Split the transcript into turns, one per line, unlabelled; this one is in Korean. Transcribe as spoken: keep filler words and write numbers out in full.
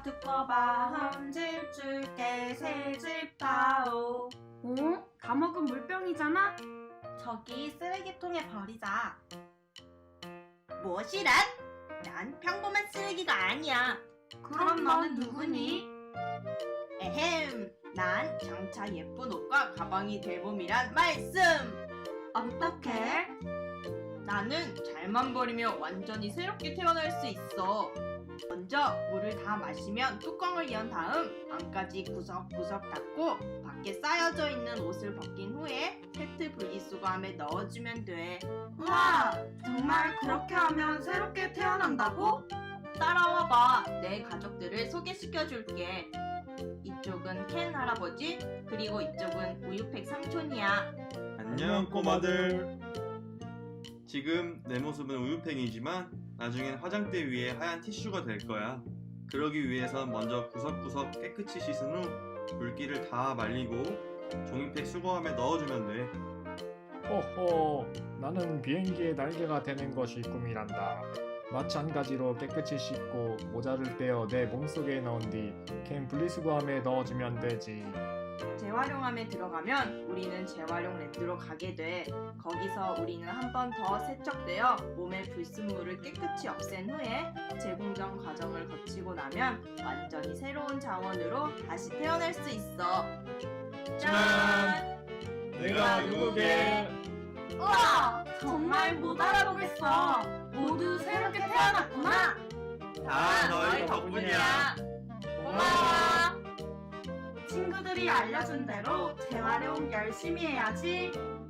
두꺼봐 한 집 줄게 세 집 다오.
어? 다 먹은 물병이잖아?
저기 쓰레기통에 버리자. 무엇이란? 난 평범한 쓰레기가 아니야.
그럼 너는 누구니?
에헴, 난 장차 예쁜 옷과 가방이 될 봄이란 말씀.
어떡해?
나는 잘만 버리면 완전히 새롭게 태어날 수 있어. 먼저 물을 다 마시면 뚜껑을 연 다음 안까지 구석구석 닫고 밖에 쌓여져 있는 옷을 벗긴 후에 페트 분리수거함에 넣어주면 돼.
우와, 정말 그렇게 하면 새롭게 태어난다고?
따라와봐. 내 가족들을 소개시켜줄게. 이쪽은 켄 할아버지, 그리고 이쪽은 우유팩 삼촌이야.
안녕 꼬마들. 지금 내 모습은 우유팽이지만 나중엔 화장대 위에 하얀 티슈가 될 거야. 그러기 위해선 먼저 구석구석 깨끗이 씻은 후 물기를 다 말리고 종이팩 수거함에 넣어주면 돼.
호호, 나는 비행기의 날개가 되는 것이 꿈이란다. 마찬가지로 깨끗이 씻고 모자를 떼어 내 몸속에 넣은 뒤 캔 분리수거함에 넣어주면 되지.
재활용함에 들어가면 우리는 재활용 랜드로 가게 돼. 거기서 우리는 한 번 더 세척되어 몸의 불순물을 깨끗이 없앤 후에 재공정 과정을 거치고 나면 완전히 새로운 자원으로 다시 태어날 수 있어. 짠!
내가 누구게?
우와, 정말 못 알아보겠어. 모두 새롭게 태어났구나.
다 너희 덕분이야.
고마워.
친구들이 알려준 대로 재활용 열심히 해야지.